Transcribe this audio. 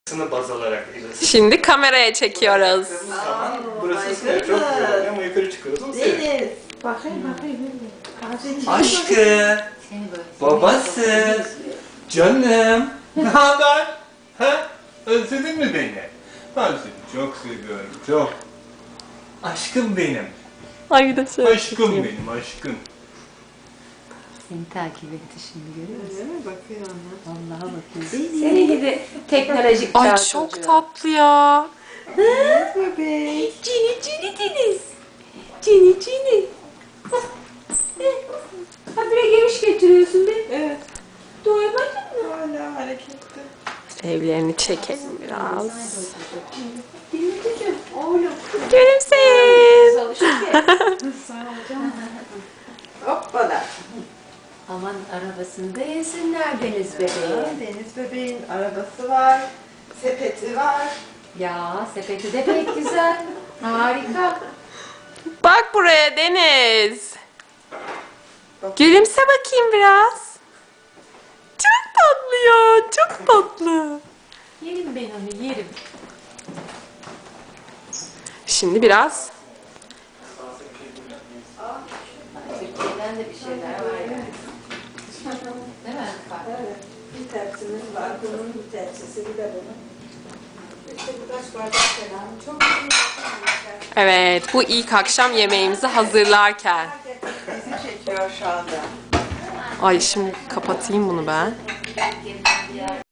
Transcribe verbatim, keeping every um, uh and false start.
Sını baz alarak ısıtıyoruz. Şimdi kameraya çekiyoruz. Zaman burası ısınıyor. Çok güzel oluyor ama yukarı çıkıyoruz. O seviyor. Deniz. Bakayım bakayım. Aşkı, babası, canım. Ne haber? Ha? Özledin mi beni? Ben seni çok seviyorum, çok. Aşkım benim. Ay bir de şöyle Aşkım çekeyim. benim, aşkım. Seni takip etti şimdi görüyor musun? Öyle mi? Bakıyor ona. Vallahi bakıyor. Seni gidi teknolojik Ay çağ çok çocuğu. tatlı ya. Bebek. Cini cini deniz. Cini cini. Habire geviş getiriyorsun be. Evet. Doymadın mı? Hala hareketli. Evlerini çekelim biraz. Dinleyeceğim. Oğlum. Gülümseyin. Hoppala. Aman arabasında yesinler Deniz bebeği. Deniz bebeğin arabası var. Sepeti var. Ya sepeti de pek güzel. Harika. Bak buraya Deniz. Gülümse bakayım biraz. Çok tatlı ya, çok tatlı. Yerim ben onu yerim. Şimdi biraz Türkiye'den de bir şeyler var yani. Değil mi? Evet. Bir tepsimiz var. Bunun bir tepsisi, bir de bunun. İşte birkaç bardak falan. Çok iyi. evet, bu ilk akşam yemeğimizi hazırlarken. Bizi çekiyor şu anda. Ay şimdi kapatayım bunu ben.